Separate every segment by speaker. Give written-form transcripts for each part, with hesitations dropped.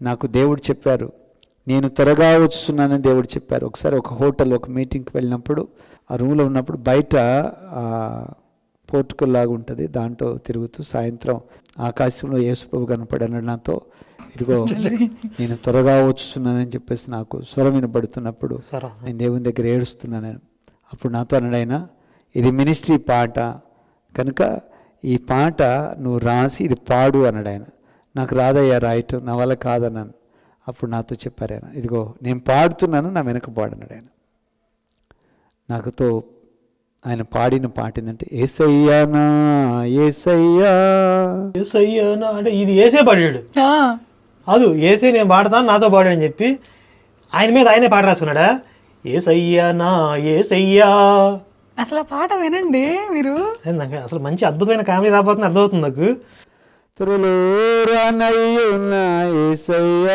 Speaker 1: నాకు దేవుడు చెప్పారు, నేను త్వరగా వస్తున్నానని దేవుడు చెప్పారు. ఒకసారి ఒక హోటల్ ఒక మీటింగ్కి వెళ్ళినప్పుడు ఆ రూమ్లో ఉన్నప్పుడు బయట పోర్టుకల్ లాగా ఉంటుంది, దాంట్లో తిరుగుతూ సాయంత్రం ఆకాశంలో యేసుప్రభు కనపడన్నాడు నాతో, ఇదిగో నేను త్వరగా వస్తున్నానని చెప్పేసి నాకు స్వరం వినబడుతున్నప్పుడు నేను దేవుని దగ్గర ఏడుస్తున్నాను. అప్పుడు నాతో అన్నాడు ఆయన, ఇది మినిస్ట్రీ పాట కనుక ఈ పాట నువ్వు రాసి ఇది పాడు అన్నాడు ఆయన. నాకు రాదయ్యా రాయటం, నా వల్ల కాదన్నాను. అప్పుడు నాతో చెప్పారు ఆయన, ఇదిగో నేను పాడుతున్నాను, నా వెనక పాడన్నాడు ఆయన. నాకుతో ఆయన పాడిన పాట ఏంటంటే, ఏసయ్యానా ఏసయ్యా
Speaker 2: ఏసయ్యానా అంటే ఇది ఏసే పాడాడు. అది ఏసే నేను పాడతాను నాతో పాడాడు అని చెప్పి ఆయన మీద ఆయనే పాట రాసుకున్నాడా, ఏసయ్యానా ఏసయ్యా.
Speaker 3: అసలు ఆ పాట వినండి మీరు.
Speaker 2: నాకు అసలు మంచి అద్భుతమైన కామెడీ రాబోతుంది, అర్థమవుతుంది నాకు.
Speaker 1: త్వరలో రానయ్యున్నా యేసయ్యా,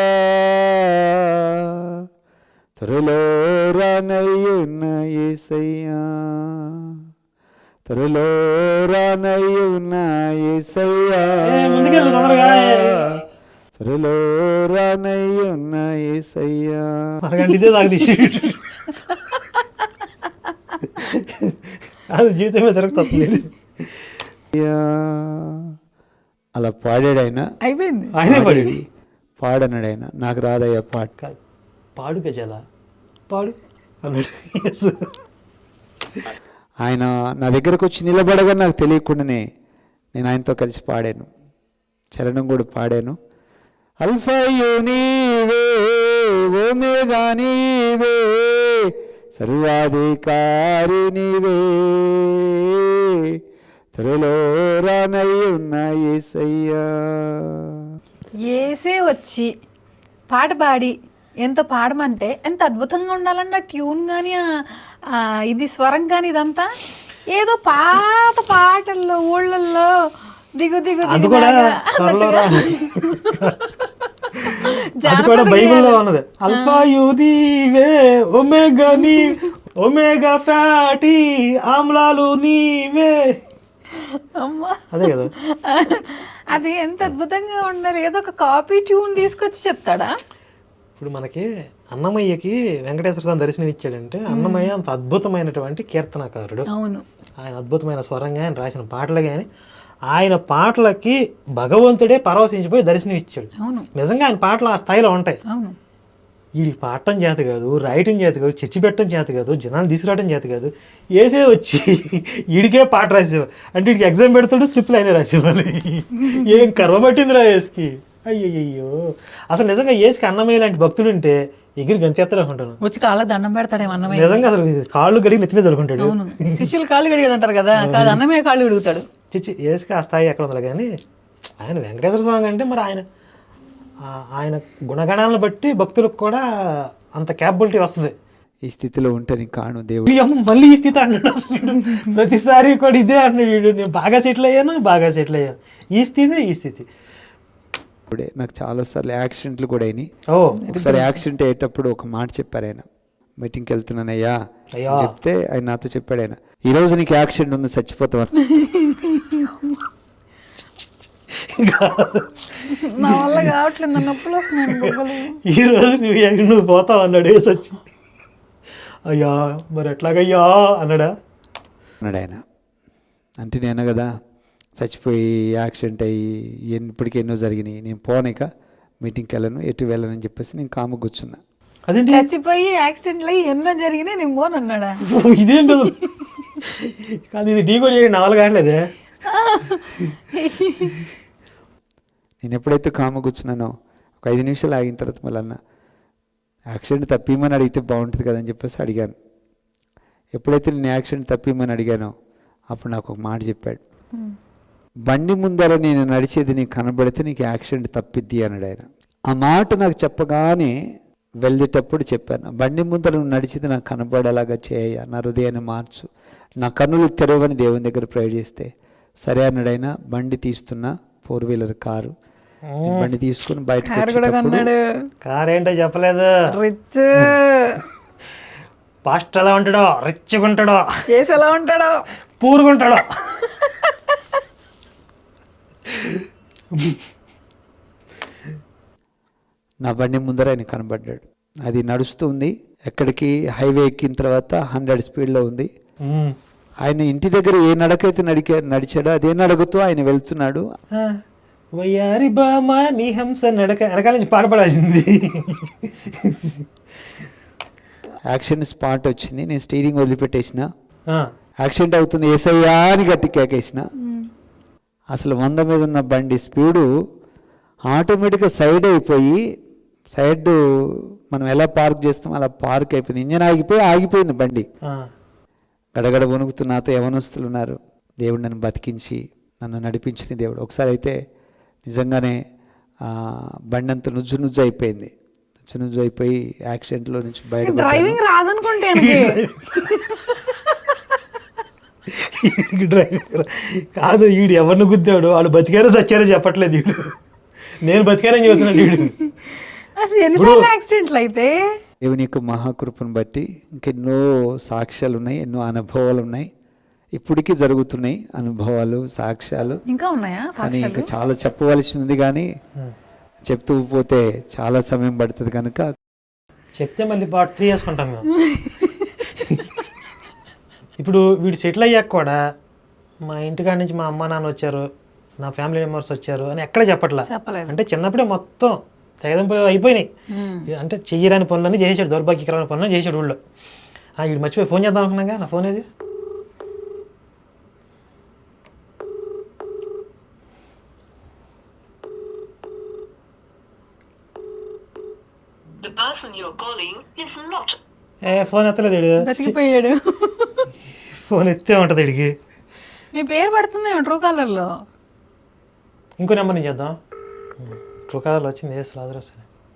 Speaker 1: త్వరలో రానయ్యున్నా యేసయ్యా, త్వరలో రానయ్యున్నా యేసయ్యా,
Speaker 2: ముందుకెళ్ళు తొందరగా,
Speaker 1: త్వరలో రానయ్యున్నా యేసయ్యా.
Speaker 2: అరగంట ఇదే దాకా తీసి అది జీవితం మీద తిరుగుతుంది.
Speaker 1: అలా పాడాడు ఆయన,
Speaker 3: అయిపోయింది.
Speaker 2: ఆయనే పాడాడు.
Speaker 1: పాడన్నాడు ఆయన, నాకు రాదయ్యా పాట.
Speaker 2: కాదు పాడు గజాల పాడు అన్నాడు.
Speaker 1: ఆయన నా దగ్గరకు వచ్చి నిలబడగా నాకు తెలియకుండానే నేను ఆయనతో కలిసి పాడాను, చరణం కూడా పాడాను. అల్ఫాయు నీవే ఓమేగా నీవే సర్వాధికారి నీవే, త్వరలో రానయ్యున్నా యేసయ్యా.
Speaker 3: ఏసే వచ్చి పాట పాడి ఎంత పాడమంటే ఎంత అద్భుతంగా ఉండాలన్న ట్యూన్ కానీ ఇది స్వరం కానీ ఇదంతా ఏదో పాత పాటల్లో ఊళ్ళల్లో దిగు దిగు
Speaker 2: అది కూడా బైబిల్లో ఉన్నది. అల్ఫాయు నీవే ఒమేగా నీ ఒమేగా ఫ్యాటీ ఆమ్లాలు నీవే, అదే కదా.
Speaker 3: అది ఎంత అద్భుతంగా ఉండాలి. ఏదో ఒక కాపీ ట్యూన్ తీసుకొచ్చి చెప్తాడా.
Speaker 2: ఇప్పుడు మనకి అన్నమయ్యకి వెంకటేశ్వర స్వామి దర్శనం ఇచ్చాడంటే అన్నమయ్య అంత అద్భుతమైనటువంటి కీర్తనకారుడు.
Speaker 3: అవును,
Speaker 2: ఆయన అద్భుతమైన స్వరంగా ఆయన రాసిన పాటలు కానీ ఆయన పాటలకి భగవంతుడే పరవశించిపోయి దర్శనం ఇచ్చాడు.
Speaker 3: అవును,
Speaker 2: నిజంగా ఆయన పాటలు ఆ స్థాయిలో ఉంటాయి.
Speaker 3: అవును,
Speaker 2: వీడికి పాడటం చేత కాదు, రాయటం చేత కాదు, చర్చి పెట్టడం చేత కాదు, జనాలు తీసుకురావడం చేత కాదు, ఏసే వచ్చి వీడికే పాట రాసేవారు. అంటే వీడికి ఎగ్జామ్ పెడతాడు, స్లిప్లు అయినా రాసేవాళ్ళు. ఏం కర్వ పట్టిందిరా ఏసుకి. అయ్యయ్యో, అసలు నిజంగా ఏసుకి అన్నమయ్య లాంటి భక్తుడు ఉంటే ఎగిరి గంతెత్తలు అనుకుంటాను.
Speaker 3: వచ్చి కాళ్ళకి దండం పెడతాడేమో అన్నమయ్య.
Speaker 2: నిజంగా అసలు కాళ్ళు గడిగి నెత్తి మీద చదువుకుంటాడు.
Speaker 3: అవును, శిష్యులు కాళ్ళు గడిగాడు అంటారు కదా, కాదు అన్నమయ్య కాళ్ళు గడుగుతాడు.
Speaker 2: చిచ్చి ఏసుకి ఆ స్థాయి ఎక్కడ ఉండాలి. కానీ ఆయన వెంకటేశ్వర స్వామి అంటే మరి ఆయన గుణగణాలను బట్టి భక్తులకు కూడా అంత క్యాపబిలిటీ వస్తుంది.
Speaker 1: ఈ స్థితిలో ఉంటే నీకు కాను దేవుడు.
Speaker 2: మళ్ళీ ఈ స్థితి అన్నాడు అసలు. ప్రతిసారి కూడా ఇదే అన్నాడు, నేను బాగా సెటిల్ అయ్యాను, ఈ స్థితి.
Speaker 1: ఇప్పుడే నాకు చాలాసార్లు యాక్సిడెంట్లు కూడా అయినాయి. ఒకసారి యాక్సిడెంట్ అయ్యేటప్పుడు ఒక మాట చెప్పారు ఆయన, మీటింగ్కి వెళ్తున్నానయ్యా చెప్తే ఆయన నాతో చెప్పాడు ఆయన, ఈరోజు నీకు యాక్సిడెంట్ ఉంది, చచ్చిపోతావు.
Speaker 3: నా వల్ల కావట్లేదు, నొప్పులు వస్తున్నాయి.
Speaker 2: ఈరోజు నువ్వు పోతావు అన్నాడు వేసొచ్చి. అయ్యా మరి ఎట్లాగయ్యా అన్నాడు
Speaker 1: ఆయన. అంటే నేను కదా చచ్చిపోయి యాక్సిడెంట్ అయ్యి ఇప్పటికీ ఎన్నో జరిగినాయి, నేను పోనిక మీటింగ్కి వెళ్ళను, ఎటు వెళ్ళనని చెప్పేసి నేను కాము కూర్చున్నా.
Speaker 3: అదేంటి చచ్చిపోయి యాక్సిడెంట్లు అయ్యి ఎన్నో జరిగినాయి, నేను పోను అన్నాడా.
Speaker 2: ఇదేంటి కాదు, ఇది ఢీ కూడా చేయడం నా వల్ల కావట్లేదే.
Speaker 1: నేను ఎప్పుడైతే కాము కూర్చున్నానో ఒక 5 నిమిషాలు ఆగిన తర్వాత మళ్ళీ అన్న యాక్సిడెంట్ తప్పిమని అడిగితే బాగుంటుంది కదని చెప్పేసి అడిగాను. ఎప్పుడైతే నేను యాక్సిడెంట్ తప్పిమని అడిగానో అప్పుడు నాకు ఒక మాట చెప్పాడు, బండి ముందర నేను నడిచేది నీకు కనబడితే నీకు యాక్సిడెంట్ తప్పిద్ది అన్నాడు ఆయన. ఆ మాట నాకు చెప్పగానే వెళ్ళేటప్పుడు చెప్పాను, బండి ముందర నువ్వు నడిచేది నాకు కనబడేలాగా చేయ, నా హృదయాన్ని మార్చు, నా కన్నులు తెరవని దేవుని దగ్గర ప్రేయర్ చేస్తే సరే అన్నాడు ఆయన. బండి తీస్తున్నా, 4-వీలర్ కారు, బండి తీసుకుని బయటకు
Speaker 2: కార్ ఏంటో చెప్పలేదు. పాస్ట్ ఎలా ఉంటాడో, రిచ్గా ఉంటాడో,
Speaker 3: ఎలా ఉంటాడో,
Speaker 2: పూరుగుంటాడో.
Speaker 1: నా బండి ముందర ఆయన కనబడ్డాడు. అది నడుస్తుంది, ఎక్కడికి హైవే ఎక్కిన తర్వాత 100 స్పీడ్లో ఉంది. ఆయన ఇంటి దగ్గర ఏ నడకైతే నడిచాడో అదే నడకతో ఆయన వెళ్తున్నాడు.
Speaker 2: వయ్యారి బామా నీ హంస నడక వెనకాల నుంచి పాడపడాల్సింది.
Speaker 1: యాక్షన్ స్పాట్ వచ్చింది, నేను స్టీరింగ్ వదిలిపెట్టేసిన, యాక్సిడెంట్ అవుతుంది ఏసయ్యా అని గట్టి కేకేసిన. అసలు 100 మీద ఉన్న బండి స్పీడు ఆటోమేటిక్గా సైడ్ అయిపోయి, సైడ్ మనం ఎలా పార్క్ చేస్తాం అలా పార్క్ అయిపోయింది. ఇంజన్ ఆగిపోయింది బండి. గడగడ వణుకుతూ నాతో యవనస్తులు ఉన్నారు. దేవుడు నన్ను బతికించి నన్ను నడిపించిన దేవుడు. ఒకసారి అయితే నిజంగానే బండి అంతా నుజ్జు అయిపోయింది. నుజ్జు అయిపోయి యాక్సిడెంట్లో నుంచి బయట.
Speaker 3: డ్రైవింగ్ రాదనుకుంటే
Speaker 2: డ్రైవింగ్ కాదు, వీడు ఎవరిని గుద్దాడు, వాళ్ళు బతికారో చచ్చారో చెప్పట్లేదు. వీడు నేను బతికానని చెబుతున్నాడు. వీడు
Speaker 3: అసలు ఎన్నిసార్లు యాక్సిడెంట్లు అయితే.
Speaker 1: దేవుని యొక్క మహాకృపను బట్టి ఇంకెన్నో సాక్ష్యాలు ఉన్నాయి, ఎన్నో అనుభవాలు ఉన్నాయి, ఇప్పటికీ జరుగుతున్నాయి అనుభవాలు, సాక్ష్యాలు
Speaker 3: ఇంకా ఉన్నాయా?
Speaker 1: కానీ ఇంకా చాలా చెప్పవలసి ఉంది, కానీ చెప్తూ పోతే చాలా సమయం పడుతుంది కనుక
Speaker 2: చెప్తే మళ్ళీ పార్ట్ 3 వేసుకుంటాం మేము. ఇప్పుడు వీడు సెటిల్ అయ్యాక కూడా మా ఇంటికాడ నుంచి మా అమ్మ నాన్న వచ్చారు, నా ఫ్యామిలీ మెంబర్స్ వచ్చారు అని ఎక్కడ చెప్పట్లా. అంటే చిన్నప్పుడే మొత్తం తెగదింపు అయిపోయినాయి. అంటే చెయ్యరాని పనులన్నీ చేసాడు, దౌర్భాగ్యకరమైన పనులు చేసాడు ఊళ్ళో. వీడు మర్చిపోయి ఫోన్ చేద్దాం అనుకున్నాగా, నా ఫోన్ ఏది? ఫోన్ ఎత్తలేదు వీడు.
Speaker 3: బతికిపోయాడు.
Speaker 2: ఫోన్ ఎత్తే ఉంటుంది వీడికి.
Speaker 3: మీ పేరు పడుతుంది ట్రూ కాలర్లో.
Speaker 2: ఇంకో నెంబర్ నుంచి చేద్దాం. ట్రూ కాలర్లో వచ్చింది లాజరస్.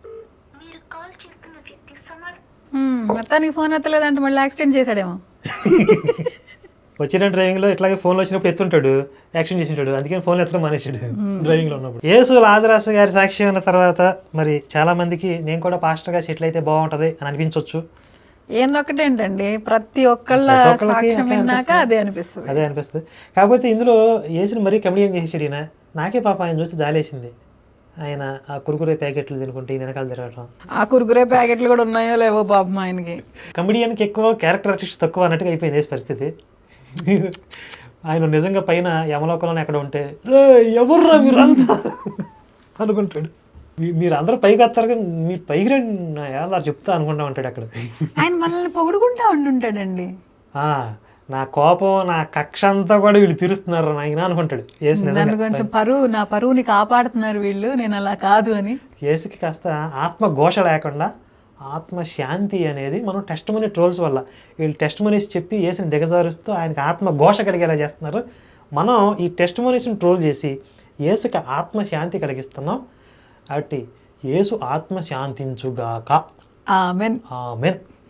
Speaker 3: మొత్తానికి ఫోన్ ఎత్తలేదంటే మళ్ళీ యాక్సిడెంట్ చేశాడేమో.
Speaker 2: వచ్చిన డ్రైవింగ్లో ఇట్లాగే ఫోన్లో వచ్చినప్పుడు ఎత్తుంటాడు, యాక్సిడెంట్ చేసింటాడు, అందుకని ఫోన్ ఎత్తడం మానేసాడు డ్రైవింగ్లో ఉన్నప్పుడు. యేసు లాజరస్ గారి సాక్షి అయిన తర్వాత మరి చాలా మందికి నేను కూడా పాస్టర్గా సెటిల్ అయితే బాగుంటుంది అని అనిపించవచ్చు.
Speaker 3: ఏందొకటేంటండి, ప్రతి ఒక్కళ్ళ సాక్ష్యం విన్నాక అదే అనిపిస్తుంది.
Speaker 2: కాకపోతే ఇందులో యేసుని మరీ కమెడియన్ చేసేసాడు ఈయన. నాకే పాప ఆయన చూస్తే జాలేసింది. ఆయన ఆ కురుకురే ప్యాకెట్లు తినుకుంటే ఈయన వెనకాల తిరగటం.
Speaker 3: ఆ కురుకురే ప్యాకెట్లు కూడా ఉన్నాయో లేవో పాపం ఆయనకి.
Speaker 2: కమెడియన్కి ఎక్కువ, క్యారెక్టర్ ఆర్టిస్ట్ తక్కువ అన్నట్టుగా అయిపోయింది యేసు పరిస్థితి. ఆయన నిజంగా పైన యమలోకంలోనే ఎక్కడ ఉంటే ఎవర్రా మీరంతా అనుకుంటాడు. మీరు అందరూ పైకి వస్తారు కానీ మీరు పైకి రండి ఎలా చెప్తా అనుకుంటా ఉంటాడు అక్కడ.
Speaker 3: ఆయన మనల్ని పొగుడుకుంటా ఉండుంటాడండి.
Speaker 2: నా కోపం, నా కక్ష అంతా కూడా వీళ్ళు తీరుస్తున్నారు ఆయన అనుకుంటాడు.
Speaker 3: నన్ను కొంచెం నా పరువుని కాపాడుతున్నారు వీళ్ళు, నేను అలా కాదు అని.
Speaker 2: యేసుకి కాస్త ఆత్మ ఘోష లేకుండా ఆత్మ శాంతి అనేది మనం టెస్ట్ మనీ ట్రోల్స్ వల్ల, వీళ్ళు టెస్ట్ మనీస్ చెప్పి యేసుని దిగజారుస్తూ ఆయనకి ఆత్మ ఘోష కలిగేలా చేస్తున్నారు. మనం ఈ టెస్ట్ మనీస్ని ట్రోల్ చేసి యేసుకి ఆత్మ శాంతి కలిగిస్తున్నాం. కాబట్టి యేసు ఆత్మ శాంతించుగాక.
Speaker 3: ఆమెన్.
Speaker 2: ఆమెన్.